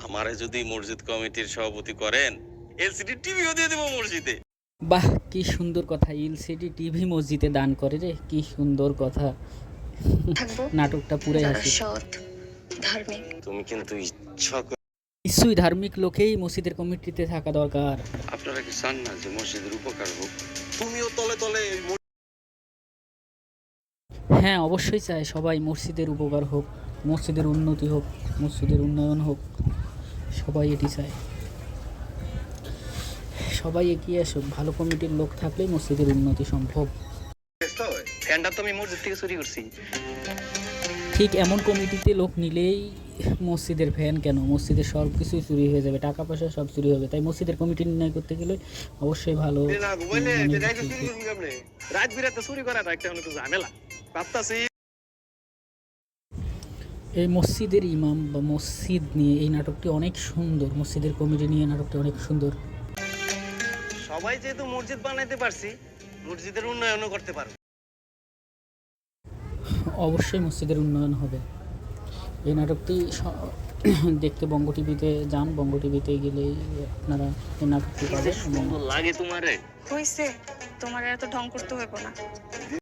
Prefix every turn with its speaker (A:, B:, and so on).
A: আমারে যদি মসজিদ কমিটির সভাপতি করেন, এলসিডি টিভিও দিয়ে দেব মসজিদে।
B: বাহ, কি সুন্দর কথা! এলসিডি টিভি মসজিদে দান করে রে, কি সুন্দর কথা!
C: থাকবো
B: নাটকটা পুরাই
C: যারা
B: হাসি।
C: সৎ, ধার্মিক।
A: তুমি কিন্তু ইচ্ছা করে
B: নিশ্চয়ই ধার্মিক লোকেই মসজিদের কমিটিতে থাকা দরকার।
A: আপনারা কি চান না যে মসজিদের উপকার হোক? তুমিও তলে তলে
B: হ্যাঁ, অবশ্যই চাই সবাই মসজিদের উপকার হোক, মসজিদের উন্নতি হোক, মসজিদের উন্নয়ন হোক, সবাই এটি চায়। সবাই এগিয়ে আসুক, ভালো কমিটির লোক থাকলেই মসজিদের উন্নতি সম্ভব।
D: ফ্যানটা তো আমি মসজিদ থেকে চুরি করছি।
B: ঠিক এমন কমিটিতে লোক নিলেই মসজিদের ফ্যান কেন, মসজিদের সব কিছুই চুরি হয়ে যাবে, টাকা পয়সা সব চুরি হবে। তাই মসজিদের কমিটি নির্ণয় করতে গেলে অবশ্যই ভালো
D: রাত বিরাতে চুরি করাটা একটা অনেক ঝামেলা ভাবতাছি।
B: এই মসজিদের ইমাম বা মসজিদ নিয়ে এই নাটকটি অনেক সুন্দর, মসজিদের কমিটি নিয়ে নাটকটি অনেক সুন্দর।
D: সবাই যেহেতু মসজিদ বানাইতে পারছি, মসজিদের উন্নয়নও করতে পারবো।
B: অবশ্যই মসজিদের উন্নয়ন হবে। এই নাটকটি দেখতে বঙ্গ টিভিতে যান, বঙ্গ টিভিতে গেলেই আপনারা এই নাটকটি পাবেন।
D: লাগে তোমারে
C: হইছে, তোমার এত ঢং করতে হইব না।